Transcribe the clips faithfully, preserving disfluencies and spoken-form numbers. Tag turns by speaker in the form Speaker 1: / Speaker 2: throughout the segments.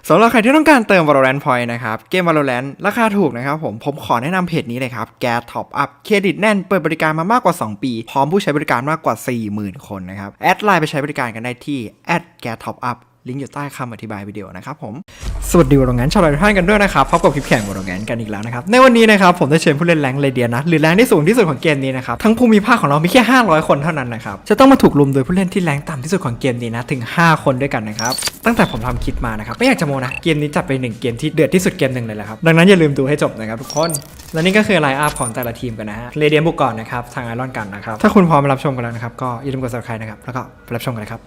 Speaker 1: สำหรับใครที่ต้องการเติม Valorant Point นะครับเกม Valorant ราคาถูกนะครับผมผมขอแนะนำเพจนี้เลยครับแกท็อปอัพเครดิตแน่นเปิดบริการมามากกว่าสองปีพร้อมผู้ใช้บริการมากกว่า สี่หมื่น คนนะครับแอดไลน์ไปใช้บริการกันได้ที่แอดแกท็อปอัพลิงก์อยู่ใต้คำอธิบายวิดีโอนะครับผมสวัสดีวอลงั้นชาวไลฟ์ท่านกันด้วยนะครับพบกับคลิปแข่งวอลงั้นกันอีกแล้วนะครับในวันนี้นะครับผมได้เชิญผู้เล่นแรงค์เรเดียนะหรือแรงที่สูงที่สุดของเกมนี้นะครับทั้งภูมิภาคของเรามีแค่ห้าร้อยคนเท่านั้นนะครับจะต้องมาถูกลุมโดยผู้เล่นที่แรงต่ำที่สุดของเกมนี้นะถึงห้าคนด้วยกันนะครับตั้งแต่ผมทำคลิปมานะครับไม่อยากจะโมนะเกมนี้จัดไปหนึ่งเกมที่เดือดที่สุดเกมหนึ่งเลยแหละครับดังนั้นอย่าลืมดูให้จบนะครับทุกคนและนี่ก็คือไลน์อัพของแต่ละทีมกันนะฮะเรเดียบุกก่อนนะครับทางไอรอนกันนะครับถ้าคุณพร้อมมารับชมกันแล้วนะครับก็อย่าลืมกด ซับสไครบ์ นะครับแล้วก็ไปรับชมกันเลยครับ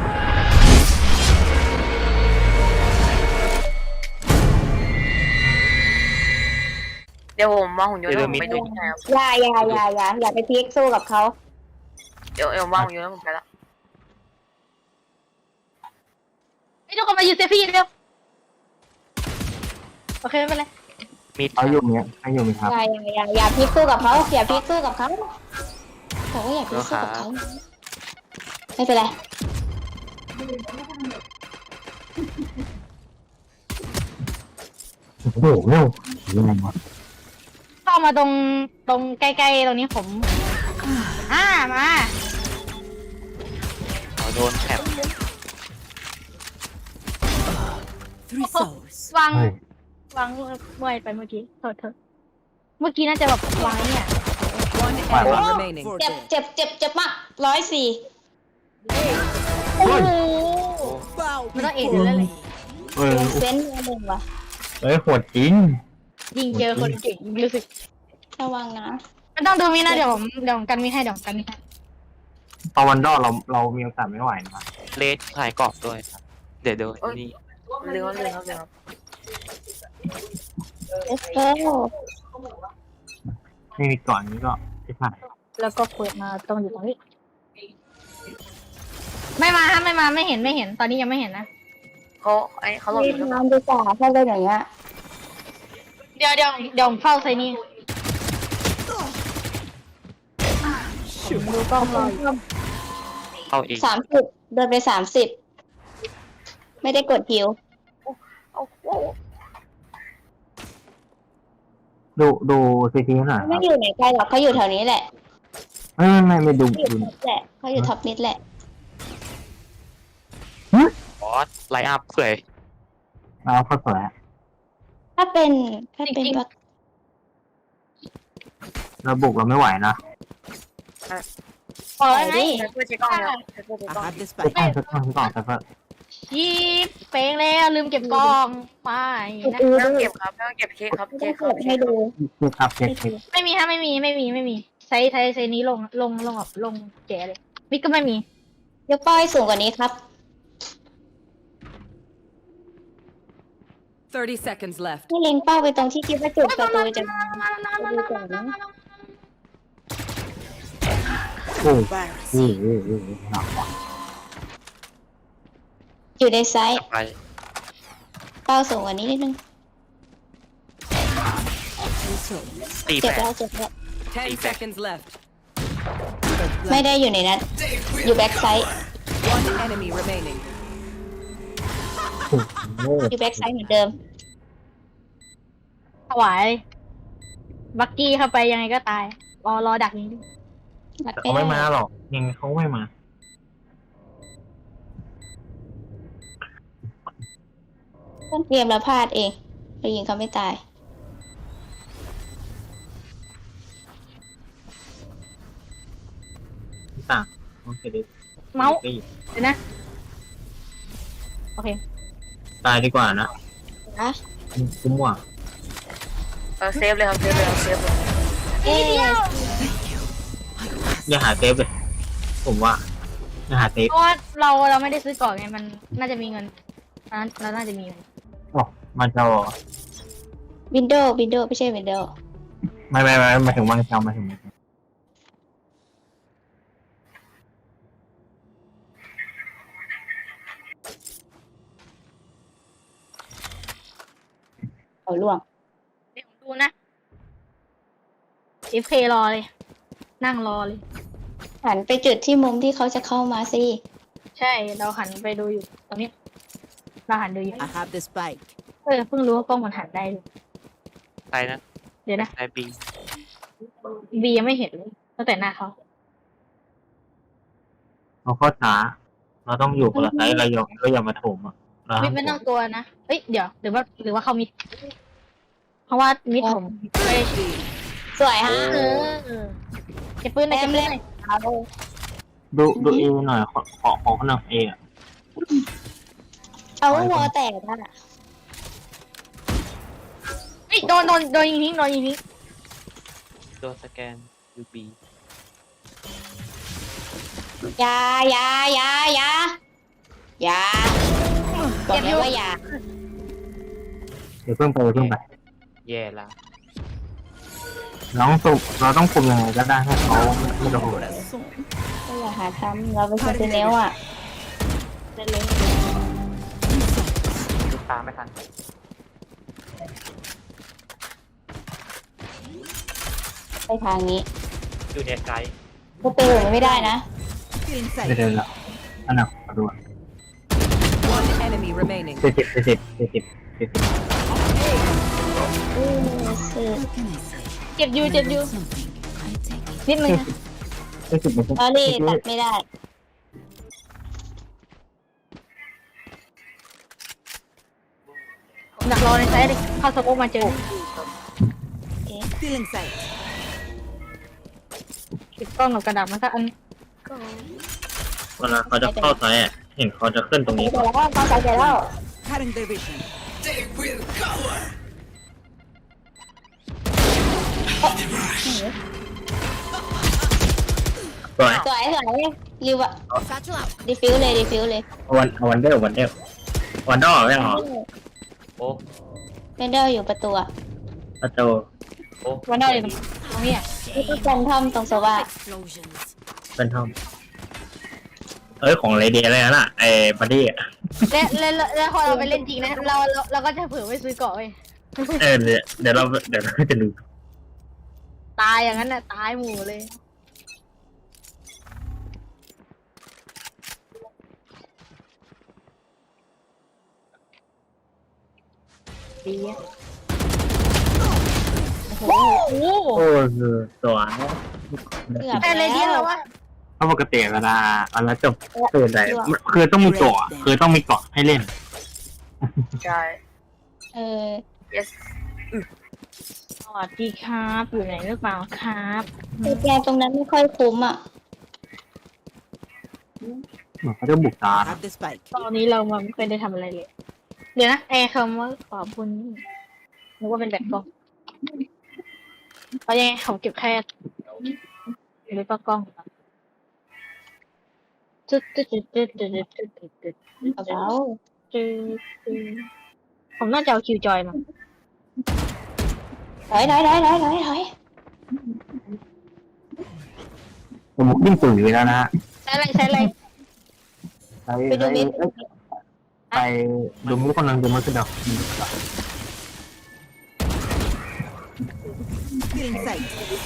Speaker 2: เดี๋ยวผมวางหุ่นยนต์แล้วผมไปดูที่ไหนครับ
Speaker 3: อย่าอย่าอย่าอย่าอย่าไปพลิกสู้กับเขา
Speaker 2: เดี๋ยวเดี๋ยววางหุ่นยนต์แล้วผมไปละ
Speaker 4: ไอ้ทุกคนมาอยู่เซฟี่เร็วโอเคไม่เป็นไร
Speaker 5: มีเขาอยู่เนี้ยเขาอยู่ไหมครับ
Speaker 3: อย่าอย่าอย่าอย่าพลิกสู้กับเขาอย่าพลิกสู้กับเขาเขาก็อย่าพลิกสู้กับเขาไม่เป็นไร
Speaker 5: โอ้โหเร็วยังไงวะ
Speaker 4: เข้ามาตรงตรงใกล้ๆตรงนี้ผมอ่ามา
Speaker 5: เขาโดนแถบ
Speaker 6: Three souls.
Speaker 4: วางวางเมื่อยไปเมื่อกี้โทษเถอะเมื่อกี้น่าจะแบบวางเนี่ย
Speaker 6: One enemy remaining.
Speaker 3: เจ็บเจ็บเจ็บเจ็บมากร้อยสี่
Speaker 4: โอ้โหไม่ต้องเอ็นเลยเลย
Speaker 5: เออ
Speaker 3: เซนต์หนึ่งว่ะ
Speaker 5: เฮ้ยโหดจริง
Speaker 4: ยิงเจอคนเก่งรู้สึก
Speaker 3: ระวังนะ
Speaker 4: ไม่ต้องดูมีนะเดี๋ยวผมเดี๋ยวผมกันมีให้เดี๋ยวผมกันมีให้
Speaker 5: ตอนวันดอเราเรามีโอกาสไม่ไหวนะครับ
Speaker 7: เลสถ่ายกรอบด้วยครับ เดี๋ยวเดี๋ยวนี่
Speaker 2: เรื่องเรื่องครับเรื่องครับ
Speaker 3: เอสเปอร์
Speaker 5: ไม่มีก่อนนี้ก็ไม่ผ่าน
Speaker 4: แล้วก็เปิดมาตรงอยู่ตรงนี้ ไม่มาฮะไม่มาไม่เห็นไม่เห็นตอนนี้ยังไม่เห็นนะ
Speaker 2: เขาไอ้เขาหลบ
Speaker 3: มี
Speaker 2: อยู่หรือเปล่า
Speaker 3: น้ำดีกว่าถ้าเป็นอย่างเงี้ย
Speaker 4: เดี๋ยวเดี๋ยวเดี๋ยวผมเฝ้าไซนี่ผมดูกล้องรออยู่
Speaker 7: เข้าเอง
Speaker 3: สามสิบเดินไปสามสิบไม่ได้กดฮิว
Speaker 2: เอาโอ้
Speaker 5: ดูดูซีทีหน่อยค
Speaker 3: ไม่
Speaker 5: รับ
Speaker 3: อยู่ไหนไกลหรอกเขาอยู่แถวนี้แหละ
Speaker 5: ไม่ไม่ไม่ไม่ดู
Speaker 3: เขาอยู่
Speaker 5: ดู
Speaker 3: ท็อปแหละเขาอยู่ท็อปมิดแหละ
Speaker 7: บอสไลน์อัพเผื่อ
Speaker 5: เอาเข้าสวย
Speaker 3: ถ้าเป็นถ้าเป็นแบบ
Speaker 5: เราบุกเราไม่ไหวนะ
Speaker 4: พอแล้วไง
Speaker 2: ใช้เพื่อเช็คกล้องแล้วใช้เพื่อเช็ค
Speaker 6: I
Speaker 2: กล้อง
Speaker 6: have the
Speaker 5: สัก
Speaker 6: spike.
Speaker 5: ก้อนสักก้อนสักก้อนแต่ก็
Speaker 4: ชีบเฟ้งแล้วลืมเก็บกล้องไปนะ
Speaker 3: ดู
Speaker 2: ไม่ต้
Speaker 3: ดู
Speaker 2: องเก็บครับไม่ต้องเก็บเช็คครับ
Speaker 3: ไม่
Speaker 2: เช็
Speaker 3: ต้อ
Speaker 2: ค
Speaker 3: ง
Speaker 2: ค
Speaker 3: ก
Speaker 2: รับ
Speaker 3: ด
Speaker 2: เช็
Speaker 3: ให้
Speaker 2: คครับ
Speaker 3: ดู
Speaker 5: เช็คครับเช็คเช็ค
Speaker 4: ไม่มีฮะไม่มีไม่มีไม่มีใช้ใช้ใช้นี้ลงลงลงแบบลงแจ๋เลยมิกก็ไม่มี
Speaker 3: ยกป้ายสูงกว่านี้ครับ
Speaker 6: Thirty seconds left.
Speaker 3: ให้เล็งเป้าไปตรงที่คิดว่าจุดประตูจะมาดูก่อนนะ
Speaker 5: โอ้โห
Speaker 6: Virus.
Speaker 5: โอ้โหโอ้โหหนักว่ะ
Speaker 3: อยู่ในไซส์
Speaker 7: ไป
Speaker 3: เป้าสูงกว่านี้นิดนึง
Speaker 6: Two souls.
Speaker 7: ตี
Speaker 3: เจ็บ
Speaker 7: แปด
Speaker 3: แล้วเจ็บแล้ว
Speaker 6: Ten seconds left.
Speaker 3: ไม่ได้อยู่ในนั้น อยู่แบ็กไซส์
Speaker 6: One enemy remaining.
Speaker 5: โอ้โห
Speaker 3: อยู่แบ็กไซส์เหมือนเดิม
Speaker 4: ถวายบักกี้เข้าไปยังไงก็ตายรอรอดักนี้
Speaker 3: รัด
Speaker 5: แต่
Speaker 3: ไป
Speaker 5: เขาไม่
Speaker 3: ได้
Speaker 5: มาหรอกยังไงเขาไม่มา
Speaker 3: ต้นเกมเราพลาดเองเรายิงเขาไม่ตาย
Speaker 5: ต่างโอเคดิ
Speaker 4: เมาส์เดี๋ยวนะโอเค
Speaker 5: ตายดีกว่านะ
Speaker 3: นะ
Speaker 5: คุ้มว่ะ
Speaker 2: เออเซฟเลยครับเซฟเลยครับเซฟเลย
Speaker 3: เอ๊ะ
Speaker 5: อย่าหาเซฟเลยผมว่าอย่าหาเซฟ
Speaker 4: เพราะว่าเราเราไม่ได้ซื้อก่อนไงมันน่าจะมีเงินเราเราน่าจะมีเงิน
Speaker 5: โอ้มันจะ
Speaker 3: วินโดว์วินโดว์ไม่ใช่วินโดว์
Speaker 5: ไม่ไม่ไม่มาถึงวางเชามาถึง
Speaker 3: เขาล่วง
Speaker 4: เดี๋ยวผมดูนะ เอฟ เค รอเลย นั่งรอเลย
Speaker 3: หันไปจุดที่มุมที่เขาจะเข้ามาสิ
Speaker 4: ใช่เราหันไปดูอยู่ตอนนี้เราหันดูอยู่
Speaker 6: I have the spike.
Speaker 4: เออเพิ่งรู้ว่ากล้องมันหันได้ด้วย
Speaker 7: ใช่นะ
Speaker 4: เดี๋ยวนะ
Speaker 7: ใช่ปี
Speaker 4: บียังไม่เห็นเลยตั้งแต่หน้าเขา
Speaker 5: เราเข้าช้า เราต้องอยู่คนละไซส์เราอย่าเราอย่ามาโถมอ่ะเรา
Speaker 4: มิ
Speaker 5: ห้า
Speaker 4: ด
Speaker 5: ม
Speaker 4: ไม่
Speaker 5: โถ
Speaker 4: ต้อง
Speaker 5: ม
Speaker 4: ตัวนะเอ้ยเดี๋ยวหรือว่าหรือว่าเขามิดเพราะว่ามิดผมไม่ได้ชี้
Speaker 3: สวยฮะ
Speaker 4: เออเก็บปืนหน่อยเก็บปืนหน่อย
Speaker 3: เอา
Speaker 5: ดูดูเอหน่อยขอขอขอขนมเออะ
Speaker 3: เอาวอแตกน่ะ
Speaker 4: เฮ้ยโดนโดนโดนยิงทิ้งโดนยิงทิ้ง
Speaker 7: โดนสแกนยูบี
Speaker 3: ยายายายายาบอกเลยว่ายา
Speaker 5: เดี๋ยวเพิ่งไปเดี๋ยวเพิ่งไป
Speaker 7: แย่ละ
Speaker 5: เราต้องสุกเราต้องคุมยังไงก็ได้ให้เขาไม่โดน
Speaker 3: ก็อย่าหาทำเราเป็นคนเซเนลอ่ะ
Speaker 4: เล่นเลย
Speaker 7: ลูกตามไม่ทัน
Speaker 3: ไปทางนี้
Speaker 7: อยู่ในไกด์
Speaker 3: กูไปอยู่ไม่ได้นะ
Speaker 6: Feeling
Speaker 5: ไม่
Speaker 6: safe.
Speaker 5: เดินละอันนั้นขอดู
Speaker 6: One enemy remaining.
Speaker 5: เจ็ดสิบเจ็ดสิบเจ็ดสิบเจ็ดสิบ
Speaker 3: อือสื่อ
Speaker 4: เจ็บอยู่เจ็บอยู่นิดนึงนะ
Speaker 5: เจ็ดสิบเจ็ดสิบ
Speaker 3: ลอรี่ตัดไม่ได้
Speaker 4: ผมดักรอในไซส์เลยเข้าสโมกมาเจอ
Speaker 6: Feeling safe.
Speaker 4: ติดกล้องกับกระดาษมันก็อัน
Speaker 5: เวลาเขาจะเข้าไซส์อ่ะเห็นเขาจะขึ้นตรงนี้
Speaker 3: เดี๋ยวแล้วก็ใส่ใจแล้ว
Speaker 6: Cutting their vision.
Speaker 5: สวย
Speaker 3: สวยสวยรีวะ
Speaker 6: Satchel out.
Speaker 3: ดีฟิวเลยดีฟิวเลย
Speaker 5: วันวันเดอร์วันเดอร์วันดอไม่หรอ
Speaker 7: โอ้
Speaker 3: เรนเดอร์อยู่ประตูอะ
Speaker 5: ประตู
Speaker 7: โอ้
Speaker 4: วันได้เลยตรงตรงนี้อ่ะ
Speaker 3: นี่ก็กันทอมตรงโซวา
Speaker 6: Explosions.
Speaker 5: เป็นทอมเอ้ยของเลเดียเลยนะไอ้บัดดี้อ่ะ
Speaker 4: และและและและพอเราไปเล่นจริงนะเราเราเราก็จะเผื่อไปซื้อเกาะเว้ย
Speaker 5: เออเดี๋ยวเดี๋ยวเราเดี๋ยวเราจะดู
Speaker 4: ตายอย่างนั้นน่ะตายหมู่เลยดีอะโอ้โห
Speaker 5: โอ้คือสวย
Speaker 3: เกือบ
Speaker 4: แต่เลยเดียวว่า
Speaker 5: เพราะปกติเวลาเวลาจบคืออะไรคือต้องมีเกาะคือต้องมีเกาะให้เล่น
Speaker 2: ใช่
Speaker 3: เออ
Speaker 2: yes
Speaker 4: สวัสดีครับอยู่ไหนหรือเปล่าครับ
Speaker 3: คือแกตรงนั้นไม่ค่อยคุ้มอ่ะ
Speaker 5: เหมือนเขาจะบุกตา
Speaker 6: Have the spike.
Speaker 4: ตอนนี้เรามาไม่เคยได้ทำอะไรเลย เดี๋ยวนะไอ้คำว่าขอบคุณนี่นึกว่าเป็นแบบกล้องเอายังไงผมเก็บแค่หรือปะกล้องจุดจุดจุดจุดจุดจุดจุดจุด
Speaker 3: เอาเปล่า
Speaker 4: จุดผมน่าจะเอาคิวจอยมา
Speaker 3: ถอยถอยถอยถอยถอยถอย
Speaker 5: ผมบุกยิ่งตุ๋ยแล้วนะฮะ
Speaker 4: ใช้อะไรใช้อะไร
Speaker 5: ไปไปไปดูมุกคนนึงดูมุกกระดก
Speaker 6: Feeling safe.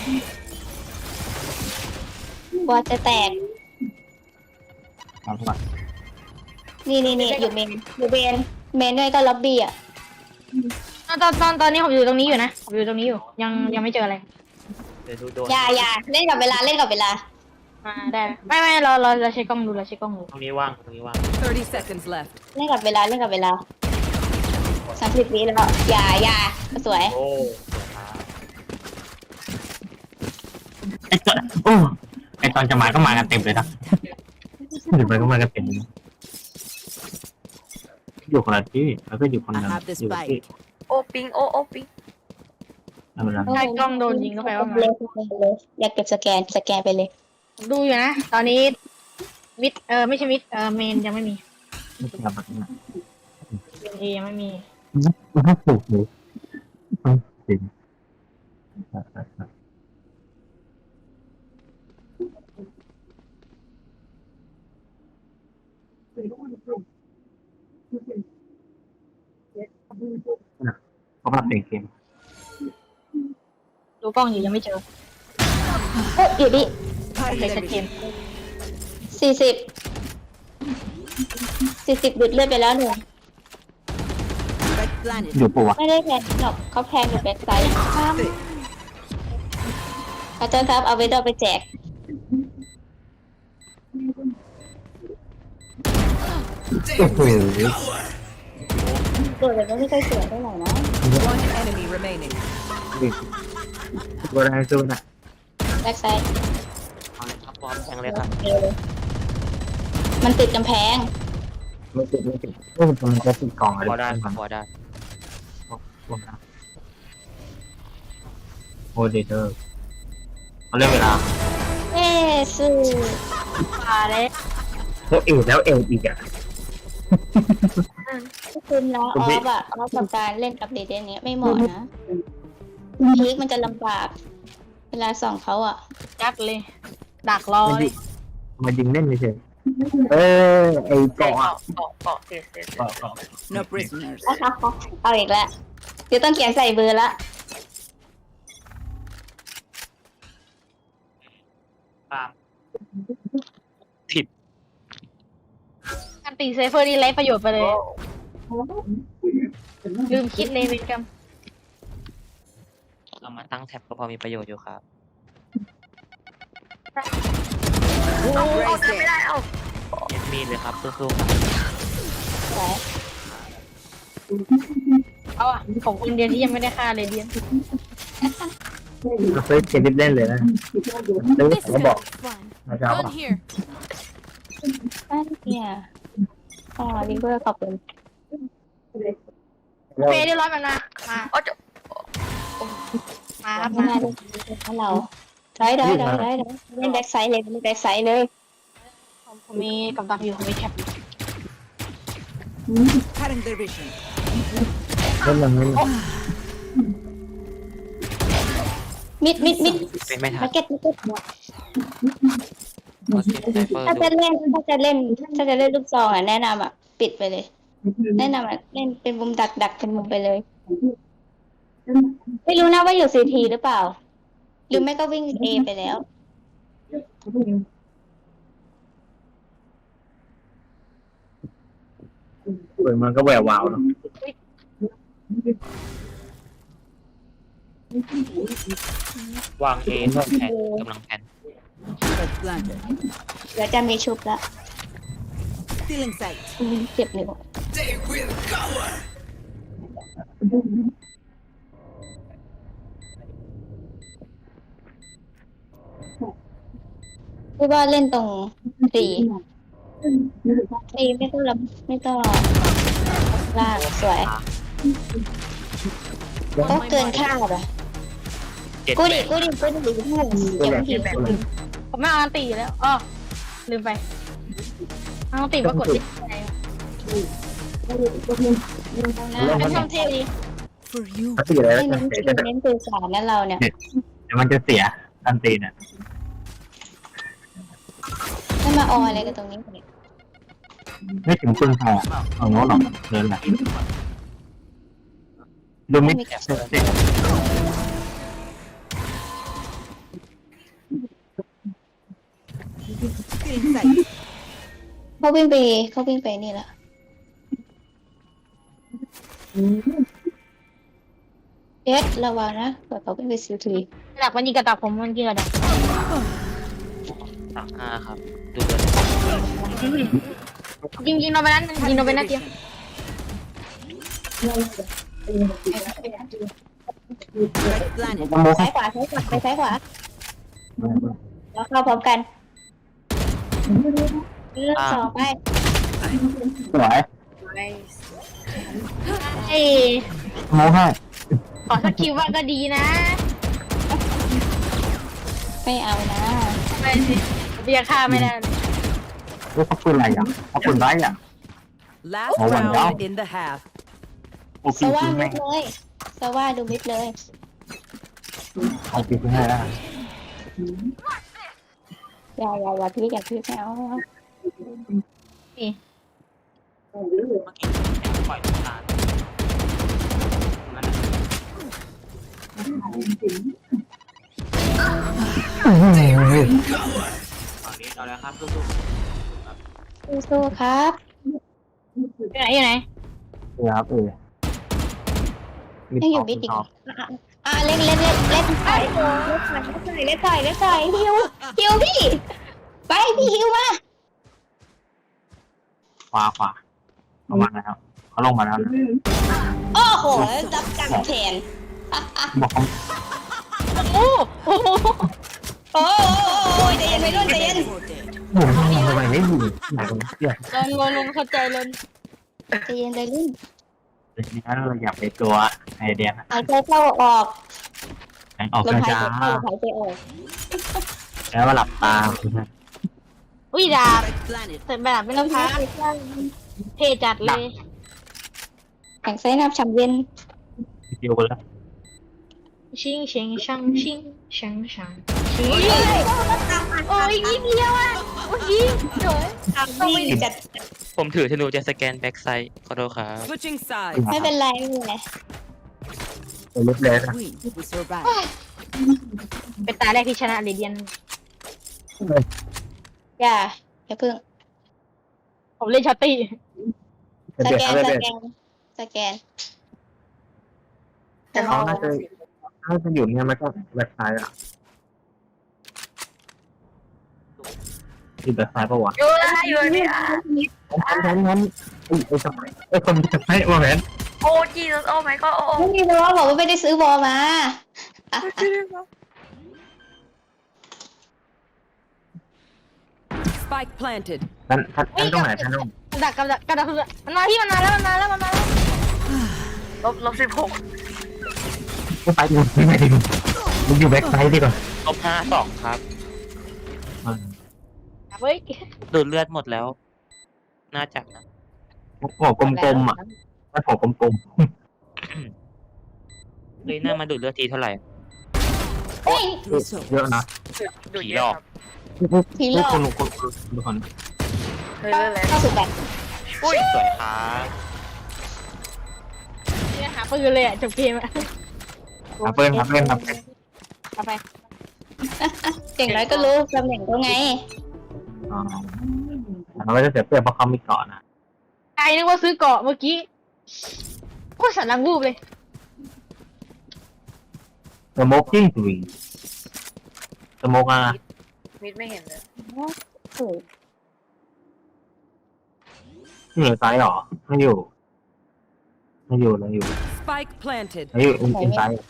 Speaker 3: บอลจะแตก
Speaker 5: เอาเข้ามา
Speaker 3: นี่นี่นี่อยู่เมนอยู่เมนเมนด้วยก็ล็อบบี้อ่ะ
Speaker 4: ตอนตอนตอนตอนนี้ผมอยู่ตรงนี้อยู่นะผมอยู่ตรงนี้อยู่ยังยังไม่เจออะไร
Speaker 7: เดี๋ยวดูโดน
Speaker 3: อย่าอย่าเล่นกับเวลาเล่นกับเวลา
Speaker 4: มาได้ไม่ไม่เราเราเราใช้กล้องดูเราใช้กล้องดู
Speaker 7: ตรงนี้ว่างตรงนี้ว่าง
Speaker 6: Thirty seconds left.
Speaker 3: เล่นกับเวลาเล่นกับเวลาสามสิบวิแล้วอย่าอย่าสวย
Speaker 7: โอ้
Speaker 5: ไอ้ตอนโอ้ไอ้ตอนจะมาก็มากันเต็มเลยนะเดี๋ยวไปก็มากันเต็มอยู่คนละที่แล้วก็อยู่คน
Speaker 6: I
Speaker 5: นึง
Speaker 6: have the
Speaker 5: อยู่ที่
Speaker 6: spike.
Speaker 2: โอปิงโอโอปิง
Speaker 5: นั่นแหละ
Speaker 4: ใช้กล้องโดนยิงเข้าไปว่ามา
Speaker 3: เลยเลยอยากเก็บสแกนสแกนไปเลย
Speaker 4: ดูอยู่นะตอนนี้มิดเออไม่ใช่มิดเออเมนยังไม่มี
Speaker 5: ไม่ใช่แบบนั้น
Speaker 4: เมนเอยังไม่มี
Speaker 5: มันก็ถูกเลยจริง เขาปรับเปลี่ยนเกม
Speaker 4: ดูกล้องอยู่ยังไม่เจอ
Speaker 3: โอ้อยู่ดิ
Speaker 4: โอเค
Speaker 6: Cutting
Speaker 4: ชัด
Speaker 6: their
Speaker 4: เจน
Speaker 6: vision.
Speaker 3: สี่สิบสี่สิบดุดเลือดไปแล้วหนึ่ง
Speaker 6: Planet.
Speaker 5: อยู่ปัว
Speaker 3: ไม่ได้แพนหรอกเขาแพนอยู่แบ็คไซด์ข้ามอาจารย์ครับเอาเวดเอาไปแจก
Speaker 5: โอ้โห
Speaker 3: ตัวแต่ก็ไม่ค่อยสวยเท่าไหร่นะ
Speaker 6: One enemy remaining.
Speaker 5: ตัวแรงสุดอ่ะ
Speaker 3: แบ็คไซด์
Speaker 7: เอาเลยครับพร้อมแทงเลยครับ
Speaker 3: มันติดกำแพง
Speaker 5: ไม่ติดไม่ติดโอ้ยมันจะติดกล่องอะไร
Speaker 7: พอได้ครับพอได้
Speaker 5: โอ้เดเตอร์เขาเรียกเวลา
Speaker 3: เอ๊ะสื่อ
Speaker 4: มาแล้ว
Speaker 5: เขาเอวแล้วเอวอีกอ่ะ
Speaker 3: คุณนะออฟอะออฟกับการเล่นกับเดเดนเนี้ยไม่เหมาะนะพีคมันจะลำบาก เวลาส่องเขาอะ
Speaker 4: ยัดเลย ดักรอเลย
Speaker 5: มายิงเล่นเฉยเออไอ้
Speaker 2: เกาะ
Speaker 5: เกาะ
Speaker 2: เกาะเกาะเสียเสียเสีย
Speaker 5: เกาะเกาะ
Speaker 6: No prisoners.
Speaker 3: เอาอีกแล้วเดี๋ยวต้องเขียนใส่เบอร์ละ
Speaker 7: ตาม
Speaker 4: การตีเซฟเฟอร์นี่ไร้ประโยชน์ไปเลย ลืมคิดเลยเวรกรรม
Speaker 7: เอามาตั้งแท็บก็พอมีประโยชน์อยู่ครับ
Speaker 2: เอาเอาเดินไม่ได้เอา
Speaker 7: เอ็ดมีดเลยครับสู้ๆครับ
Speaker 3: สวย
Speaker 4: เอาอ่ะของคนเดียวที่ยังไม่ได้ฆ่าเลยเดียน
Speaker 5: เราเคยเขียนเล่นเลยนะแล้ว
Speaker 6: This
Speaker 5: เขาบอก
Speaker 6: is fun.
Speaker 5: นะครับ
Speaker 6: Gun here.
Speaker 3: อันเนี่ยอ๋อลิเวอร์ขอบคุณ
Speaker 4: เฟย์เรียบร้อยมันมามา
Speaker 2: เอาจะ
Speaker 4: มาครับ
Speaker 3: ไม่
Speaker 4: มา
Speaker 3: น่าได้ให้เราได้ได้ได้ได้ได้เล่นแบ็คไซด์เลยเล่นแบ็คไซด์เลย
Speaker 4: ผมมีกับดักอยู่ผมมีแท็บ
Speaker 6: Cutting their vision.
Speaker 5: เล่นยังไง
Speaker 3: มิดมิดมิด
Speaker 7: เป็นไม่ทั
Speaker 3: มาน เก็ตมาเก็ต
Speaker 7: เพราะเก็บไซเฟอร์
Speaker 3: ถ้า
Speaker 7: ดู
Speaker 3: จะเล่นถ้าจะเล่นถ้าจะเล่นลูกซองอ่ะแนะนำอ่ะปิดไปเลย แนะนำอ่ะเล่นเป็นมุมดักดักเป็นมุมไปเลย ไม่รู้นะว่าอยู่ซีทีหรือเปล่า หรือไม่ก็วิ่งเอไปแล้ว
Speaker 5: เปิดมันก็แวววาวเนาะ
Speaker 7: วางเอแผนกำลังแผน
Speaker 6: Spike planted.
Speaker 3: เดี๋ยวจะมีชุบละ
Speaker 6: Stealing sight.
Speaker 3: อืมเจ็บนิ้วพี่ว่าเล่นตรงสี่สี่ไม่ต้องรับไม่ต้องรอลากสวยก็เกินคาดอ่ะ
Speaker 7: เจ็ด
Speaker 3: กู
Speaker 7: แป
Speaker 3: ดิ
Speaker 7: ด
Speaker 3: กูดิกูดิกูดิเก็บทีแบบ
Speaker 4: ผมไม่เอาอันตีแล้วอ๋อลืมไปเอาอันตีว่ากดดิไงวะเป็นช่องเทดี
Speaker 6: For you.
Speaker 5: ถ้าตีอะไร
Speaker 3: ไม่
Speaker 5: แล้ว
Speaker 3: เน้น
Speaker 5: จะ
Speaker 3: เน้นสื่อสารนะเราเนี่ย
Speaker 5: เดี๋ยวมันจะเสียอันตีเนี่ย
Speaker 3: ไม่มาอออะไรกันตรงนี้เนี่ย
Speaker 5: ไม่ถึงคุณพอเอาโน้ตหรอกเดินแหละดูไม่เสีย
Speaker 6: Stealing sight.
Speaker 3: เขาวิ่งไปเขาวิ่งไปนี่ละเอสระวังนะเผื่อเขาวิ่งไปซิลที
Speaker 4: ดักมันยิงกระดักผมมันยิงกระดัก
Speaker 7: สามห้าครับ ดูเลย
Speaker 4: ยิงยิงเราไปนั้นยิงเราไปนัดเดียว
Speaker 6: Spike planted.
Speaker 3: ซ้ายขวาซ้ายขวาไปซ้ายขวาแล้วเข้าพร้อมกันเลือกสองไป
Speaker 5: สวย
Speaker 4: เอ้ย
Speaker 5: โม้ให้
Speaker 4: ขอสักคิวว่าก็ดีนะ
Speaker 3: ไม่เอานะ
Speaker 4: ไปสิเบียร์ฆ่าไม่ได้
Speaker 5: ว่าเขาปืนอะไรอ่ะเขาปืนไรอ่ะ
Speaker 6: Last
Speaker 5: Oh, one down.
Speaker 6: round in the half.
Speaker 5: โอ้
Speaker 3: ส
Speaker 5: ปี
Speaker 3: ว่า
Speaker 5: ปืน
Speaker 3: มิ
Speaker 5: แม่
Speaker 3: ด
Speaker 5: ง
Speaker 3: เลยสว่าดูมิดเลย
Speaker 5: เอาปีปืนให้ได้
Speaker 3: อย่าอย่าอย่าพี่อย่าพี่ไม่เอา
Speaker 7: เมื่อกี้ปล่อยตาตอนนี้เอาแล้วครับสู้
Speaker 3: สู้ๆครับ
Speaker 4: อยู่ไหนอยู่ไหน
Speaker 5: ครับเออ
Speaker 3: ยังอยู่มิดอีกอ่ะอ่ะเล่นเล่นเล่นเล่นใส่เล่นใส่เล่นใส่เล่นใส่ฮิวฮิวพี่ไปพี่ฮิวมา
Speaker 5: ขวาขวาเขามาแล้วเขาลงมาแล้วนะ
Speaker 3: โอ้โหรับกรรมแทน
Speaker 5: บอกเขา
Speaker 4: โอ้โอ้โห
Speaker 3: โอ้ยใจเย็นไปรุ่นใจเย็น
Speaker 5: โอ้โหทำไมไม่ยิงไหนกันเนี่ย
Speaker 4: ลงลงลงเข้าใจลง
Speaker 3: ใจเย็นใจรุ่น
Speaker 5: เดี๋ยวนี้เราอยากไปตัวไอเดียนะ
Speaker 3: หายใจเข้าออก
Speaker 5: แข่งออก
Speaker 3: ลมหาย
Speaker 5: ช้า
Speaker 3: ใจเข้าหายใจออก
Speaker 5: ๆแล้วก็หลับตา
Speaker 4: อุ้ยดาบ
Speaker 6: Spike planted.
Speaker 4: แต่แบบไม่ต้องพักเทจัดเลย
Speaker 3: แข่งไซนับฉ่ำเย็น
Speaker 5: คิวกันแล้ว
Speaker 4: ชิงชิงชังชิงชังชังชิงโอ้ยนิดเดียวอ่ะเมื่อกี้เดี๋ยว
Speaker 3: ต้องไม่จัด
Speaker 8: ผมถือธนูจะสแกนแบ็กไซด์ขอโทษครับ
Speaker 6: Switching sides.
Speaker 3: ไม่เป็นไรไม่เป็นไร
Speaker 5: เป็นลุกเลยนะ
Speaker 6: We we survive.
Speaker 4: เป็นตาแรกที่ชนะเรเดียน
Speaker 3: อย่าอย่าเพิ่ง
Speaker 4: ผมเล่นช็อตตี้
Speaker 3: สแกนสแกนสแกน
Speaker 2: แต่เขา
Speaker 5: น่าจะน่าจะอยู่เนี่ยมันก็แบ็คไซด์อ่ะอยู่แบ็คไซด์ปะวะ
Speaker 2: อยู่ละอยู่เนี่ย
Speaker 5: งั้นงั้นงั้นไอ้ไอ้สมัยไอ้คนจะให้มาแมน
Speaker 2: โอ้จีสโอ้ไม่ก็โอ้
Speaker 3: ไม่มีบอลบอกว่าไม่ได้ซื้อบอลมาอ่ะ
Speaker 6: Spike planted.
Speaker 5: ท่านท่านท่านตรงไหนท่านตรง
Speaker 4: กระดักกระดักกระดักมันมาที่มันมาแล้วมันมาแล้วมันมาแล้ว
Speaker 2: ลบลบสิบหก
Speaker 5: ไม่ไปดูไม่ไปดูมึงอยู่แบ็คไซด์ดีกว่า
Speaker 8: ลบห้าสองครับ
Speaker 4: เฮ้ย
Speaker 8: ดูดเลือดหมดแล้ว น่าจะนะ
Speaker 5: หัวกลมๆอ่ะไม่หัวกลม
Speaker 8: เลยหน้ามาดูดเลือดทีเท่าไหร่
Speaker 3: เฮ้ย
Speaker 5: ๆเยอะนะ
Speaker 8: ผีหลอก
Speaker 3: ผีหลอก
Speaker 5: คนคนคนคน
Speaker 2: เฮ้ยเรื่องอะไร
Speaker 3: เข้าสู่แบบ
Speaker 8: อุ้ยสวยครับ
Speaker 4: เนี่ยหาปืนเลยอ่ะจบเกมอ่ะ
Speaker 5: ครับเพื่อนครับเพื่อนครับ
Speaker 4: เอาไป
Speaker 3: เก่งน้อยก็รู้ตำแหน่งเขาไง
Speaker 5: อ๋อเราก็จะเสียเปรียบเพราะเขามีเกาะนะ
Speaker 4: ใครนึกว่าซื้อเกาะเมื่อกี้โคตรสันหลังรูปเลย
Speaker 5: สโมกกิ้งตุยสโมกอ่ะ
Speaker 2: มิดไม่เห็นเลย
Speaker 5: ที่อยู่ไซด์หรอไม่อยู่ไม่อยู่เลยอยู่
Speaker 6: Spike planted.
Speaker 5: ไม่อยู่อินไซด์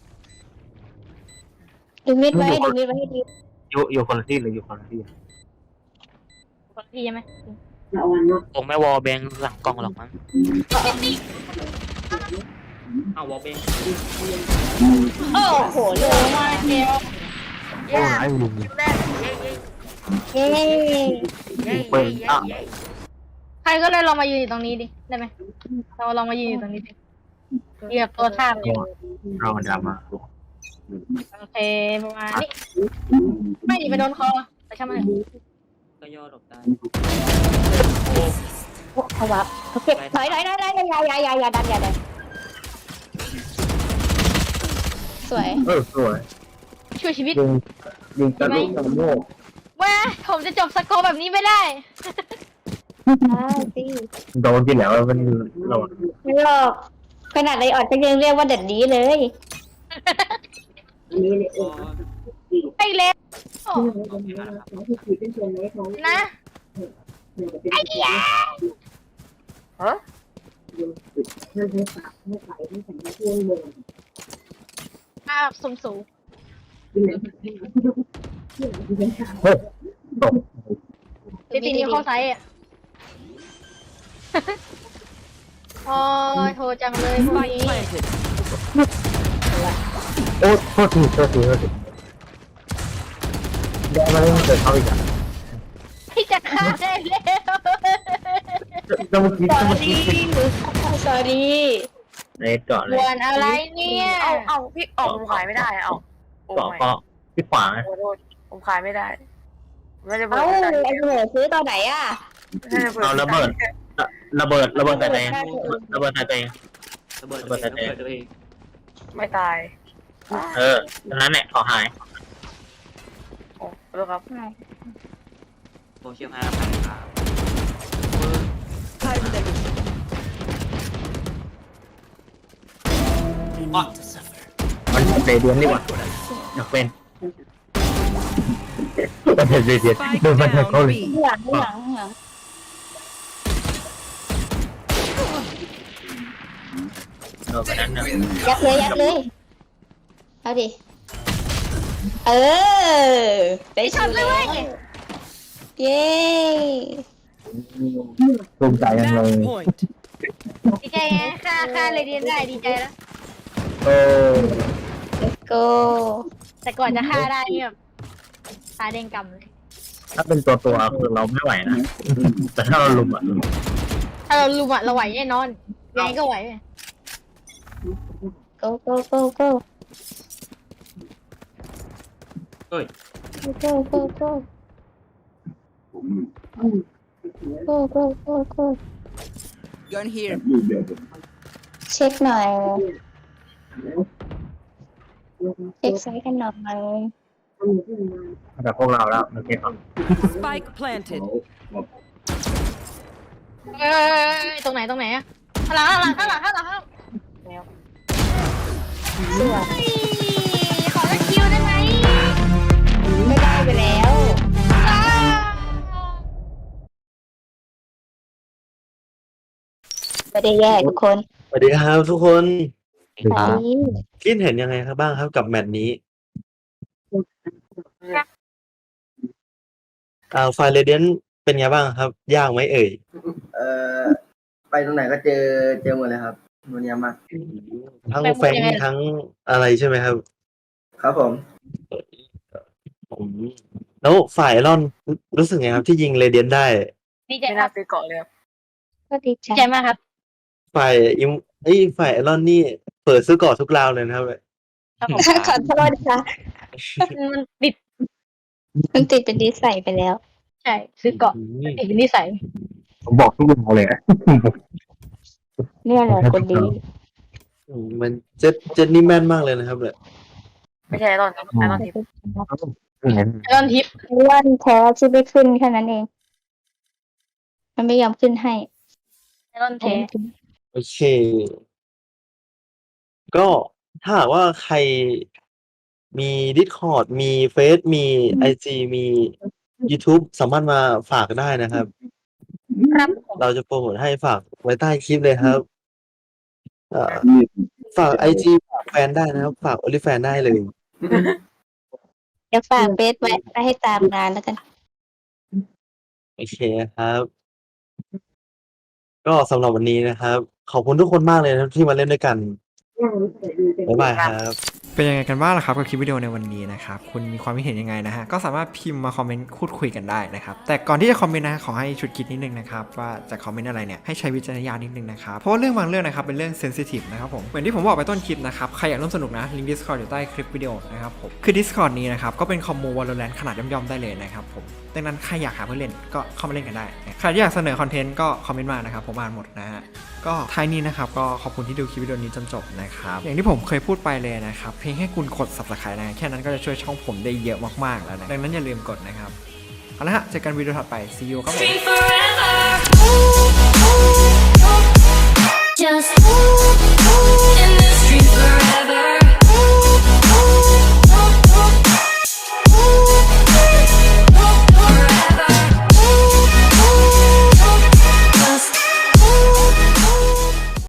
Speaker 3: ดูมิดไว้ดูมิดไว้ให้ดี
Speaker 5: อยู่อยู่คนละที่เลยอยู่คนละที่
Speaker 4: คนละที่ใช่ไหม
Speaker 8: คงไม่วอลแบงหลังกล้องหรอกมั้งเอาวอลแบง
Speaker 3: โอ้โหโล
Speaker 4: มาเดียว
Speaker 5: โอ้ไอ้ลุง
Speaker 2: แม่เย้
Speaker 3: เย้
Speaker 2: เย้เย้เย้เย้
Speaker 4: ใครก็เลยลองมายืนอยู่ตรงนี้ดิได้ไหมเราลองมายืนอยู่ตรงนี้ดิเหยียบตัวท่าเลย
Speaker 5: เราดราม่า
Speaker 4: โอเคประมาณนี้ไม่ดิไปโดนคอไปช่างมัน
Speaker 8: ก็ย่อหลบได้
Speaker 3: เขาวับเขาเก็บถอยถอยถอยถอยอย่าอย่าอย่าอย่าดันอย่าดันสวย
Speaker 5: เออสวย
Speaker 4: ช่วยชีวิต
Speaker 5: ยิงยิงกระลุกกระโมก
Speaker 4: แม่ผมจะจบสกอร์แบบนี้ไม่ได้
Speaker 3: ได้สิ
Speaker 5: โดนที่แล้วมันเรา
Speaker 3: ไม่หรอกขนาดไรออดก็ยังเรียกว่าเด็ดดีเลย
Speaker 4: ไปแล้วนะไอ้ยา
Speaker 2: เฮ้ย
Speaker 4: ภาพสูงสูง
Speaker 5: เฮ้ยตก
Speaker 4: เจตีนิ้วเข้าไซส์อ่ะโอ้ยโทรจังเลยพวก
Speaker 6: Spike
Speaker 4: นี้
Speaker 6: planted.
Speaker 5: โอ้โทษทีโทษทีโทษทีเดี๋ยวมาเล่นเกิดเขาอีกอ่ะ
Speaker 4: ที่จะฆ่าได้แล้ว
Speaker 5: จะเมื่อกี้จะเมื่อกี้
Speaker 3: สอรี่
Speaker 5: ในเกาะเลย
Speaker 4: วนอะไรเนี่ย
Speaker 2: เอาเอาพี่ออกผมขายไม่ได้เอาโอ้
Speaker 5: เกาะ
Speaker 2: ไม่
Speaker 5: เกาะที่ขวา
Speaker 2: ขอโทษผมขายไม่ได้ไม่ได้เปิด
Speaker 3: เอ้า
Speaker 2: ไม่ได้
Speaker 3: ไอ้เหนือซื้อตอนไหนอ่ะ
Speaker 2: ไม่ได้เปิด
Speaker 5: เอาระเบิดระเบิดระเบิดใส่ตัวเองระเบิดใส่ตัวเอง
Speaker 8: ระเบิดตัวเองระเบิดตัวเอง
Speaker 2: ไม่ตาย
Speaker 5: เออตอนนั้นเนี่ยเขาหาย
Speaker 2: โอ้ขอโทษครับ
Speaker 8: โซเชียลห้าพันครับ
Speaker 6: Time
Speaker 5: มันเรเดียนดีกว่าอยากเป็นมันเป็นเรเดียน
Speaker 6: Spike
Speaker 5: โดนมันเข้า
Speaker 6: down
Speaker 5: เลย
Speaker 6: B.
Speaker 3: ข้างหลังข้างหลังข้างหลัง
Speaker 5: โดนไปนั้นนะ
Speaker 3: ยัดเลยยัดเลยเอาดิเออได้ชุดเลยเย้
Speaker 5: ภูมิใจยังเลย
Speaker 6: Match point.
Speaker 4: ดีใจไงค่าค่าเลยเรียนได้ดีใจแล้ว
Speaker 5: โอ้
Speaker 3: โก้
Speaker 4: แต่ก่อนจะฆ่าได้เนี่ยแบบตาแดงกำเลย
Speaker 5: ถ้าเป็นตัวตัวคือเราไม่ไหวนะแต่ถ้าเราลุมอ่ะ
Speaker 4: ถ้าเราลุมอะเราไหวแน่นอนยังไงก็ไหว
Speaker 3: โก้โก้โก้โก้
Speaker 8: เฮ้ย
Speaker 3: โก้โก้โก้โก้โก้โก้โก้
Speaker 6: Gun here.
Speaker 3: เช็คหน่อยเช็คไซส์กันหน่อย
Speaker 5: แต่พวกเราแล้วโอเคครับ
Speaker 6: Spike planted.
Speaker 4: เอ้ยตรงไหนตรงไหนอะข้างหลังข้างหลังข้างหลังข้างหลังข้างหลัง
Speaker 3: สวย
Speaker 4: เฮ้ยขอสักคิวได้ไหม
Speaker 3: ไม่ได้ไปแล้ว
Speaker 4: อ้าว
Speaker 3: ไม่ได้แย่ทุกคน
Speaker 9: สวัสดีครับทุกคน
Speaker 3: ไป
Speaker 9: คิดเห็นยังไงครับบ้างครับกับแมตช์นี้อ่าไฟเรเดียนเป็นไงบ้างครับ ยากไหมเอ่ย
Speaker 10: เอ่อไปตรงไหนก็เจอเจอหมดเลยครับวันนี้มาก
Speaker 9: ทั้งแฟงทั้งอะไรใช่ไหมครับ
Speaker 10: ครับผม
Speaker 9: ผมแล้วฝ่ายไอรอนรู้รู้สึกไงครับที่ยิงเรเดียนได้
Speaker 4: ดีใจ
Speaker 2: ไม่
Speaker 4: ครั
Speaker 2: น่า
Speaker 4: บ
Speaker 2: ซื้อเกาะเลยครับ
Speaker 3: ก็ดีใจ
Speaker 4: ดีใจมากครับ
Speaker 9: ฝ่ายอิมไอยฝ่ายไอรอนนี่เปิดซื้อเกาะทุกราวเลยนะครับ
Speaker 4: ครับผม
Speaker 3: ขอโทษค่ะ
Speaker 4: มันติด
Speaker 3: มันติดเป็นดีใส่ไปแล้ว
Speaker 4: ใช่ซื้อเกาะติดเป็นนิสัย
Speaker 5: ผมบอกทุกอย่างเลย
Speaker 3: เนี่ยแหละคนดี
Speaker 9: อืมมันเจ็ดเจ็ดนี่แม่นมากเลยนะครับเนี่ย
Speaker 2: ไม่ใช่ไอรอนครับไอรอนทิป
Speaker 4: ไอรอนทิป
Speaker 3: วันแท้ที่ไม่ขึ้นแค่นั้นเอง มันไม่ยอมขึ้นให้
Speaker 4: ไอรอนเท
Speaker 9: โอเค ก็ถ้าหากว่าใครมี Discord มีเฟซมี ไอ จี มี YouTube สามารถมาฝากได้นะครับ
Speaker 3: ครับผม
Speaker 9: เราจะโปรโมทให้ฝากไว้ใต้คลิปเลยครับเอ่อฝาก ไอ จี ฝากแฟนได้นะครับ ฝาก OnlyFans ได้เลย
Speaker 3: เดี๋ยวฝากเบสไว้ไปให้ตามงานแล้วกัน
Speaker 9: โอเคครับ ก็สำหรับวันนี้นะครับ ขอบคุณทุกคนมากเลยนะครับที่มาเล่นด้วยกัน บ๊ายบายครับ
Speaker 1: เป็นยังไงกันบ้างล่ะครับกับคลิปวิดีโอในวันนี้นะครับคุณมีความคิดเห็นยังไงนะฮะก็สามารถพิมพ์มาคอมเมนต์พูดคุยกันได้นะครับแต่ก่อนที่จะคอมเมนต์นะขอให้ชุดคิดนิดนึงนะครับว่าจะคอมเมนต์อะไรเนี่ยให้ใช้วิจารณญาณนิดนึงนะครับเพราะว่าเรื่องบางเรื่องนะครับเป็นเรื่องเซนซิทีฟนะครับผมเหมือนที่ผมบอกไปต้นคลิปนะครับใครอยากร่วมสนุกนะลิงก์ Discord อยู่ใต้คลิปวิดีโอนะครับผมคือ Discord นี้นะครับก็เป็นคอมมู Valorant ขนาดย่อมๆได้เลยนะครับผมดังนั้นใครอยากหาเพื่อนเล่นก็เข้ามาเล่นกันได้ใครที่อยากเสนอคอนเทนต์ก็คอมเมนต์มานะครับผมอ่านหมดนะฮะก็ท้ายนี้นะครับก็ขอบคุณที่ดูคลิปวิดีโอนี้จนจบนะครับอย่างที่ผมเคยพูดไปเลยนะครับเพียงแค่คุณกด Subscribe นะแค่นั้นก็จะช่วยช่องผมได้เยอะมากๆแล้วนะดังนั้นอย่าลืมกดนะครับเอาละฮะเจอกันวิดีโอถัดไป see you ครับผม